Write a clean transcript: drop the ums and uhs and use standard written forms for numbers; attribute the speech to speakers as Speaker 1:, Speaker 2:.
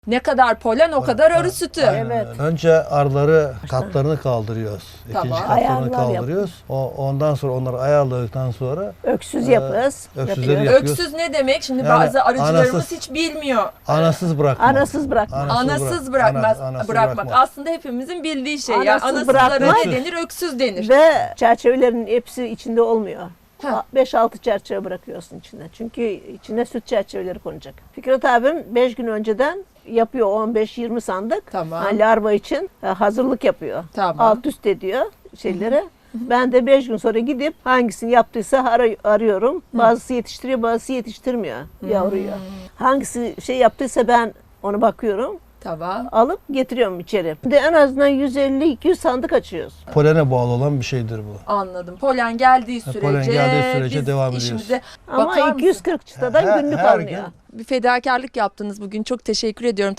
Speaker 1: Ne kadar polen o kadar arı sütü.
Speaker 2: Evet.
Speaker 3: Önce arıları katlarını kaldırıyoruz.
Speaker 1: Tamam.
Speaker 3: İkinci katlarını
Speaker 2: Ayarlar
Speaker 3: kaldırıyoruz. Ondan sonra onları ayarladıktan sonra
Speaker 2: Öksüz yapıyoruz.
Speaker 3: öksüzleri
Speaker 2: yapıyoruz.
Speaker 3: yapıyoruz.
Speaker 1: Öksüz ne demek? Şimdi
Speaker 3: Yani
Speaker 1: bazı arıcılarımız
Speaker 3: anasız-
Speaker 1: hiç bilmiyor.
Speaker 3: Anasız bırakmak.
Speaker 2: Anasız bırakma.
Speaker 1: Anasız bırakmak.
Speaker 3: Anasız
Speaker 1: Bırakmak. Aslında hepimizin bildiği şey. Yani
Speaker 2: Anasız
Speaker 1: anasızlara
Speaker 2: bırakmak.
Speaker 1: ne denir? Öksüz denir.
Speaker 2: Ve çerçevelerin hepsi içinde olmuyor.
Speaker 1: Ha.
Speaker 2: 5-6 çerçeve bırakıyorsun içine. Çünkü içine süt çerçeveleri konacak. Fikret abim 5 gün önceden yapıyor 15-20 sandık.
Speaker 1: Tamam.
Speaker 2: Yani larva için hazırlık yapıyor.
Speaker 1: Tamam.
Speaker 2: Alt üst ediyor şeylere. Ben de 5 gün sonra gidip hangisini yaptıysa arıyorum. Bazısı yetiştiriyor, bazısı yetiştirmiyor yavruyu. Hangisi şey yaptıysa ben ona bakıyorum.
Speaker 1: Tamam.
Speaker 2: Alıp getiriyorum içeri. De en azından 150-200 sandık açıyoruz.
Speaker 3: Polene bağlı olan bir şeydir bu.
Speaker 1: Anladım. Polen geldiği sürece,
Speaker 3: Polen geldiği sürece
Speaker 1: biz
Speaker 3: devam ediyoruz.
Speaker 1: işimize
Speaker 2: Ama
Speaker 1: bakar mısın?
Speaker 2: 240 çıtadan
Speaker 3: Her-
Speaker 2: günlük
Speaker 3: her
Speaker 2: alınıyor.
Speaker 3: gün
Speaker 1: Bir fedakarlık yaptınız bugün. Çok teşekkür ediyorum.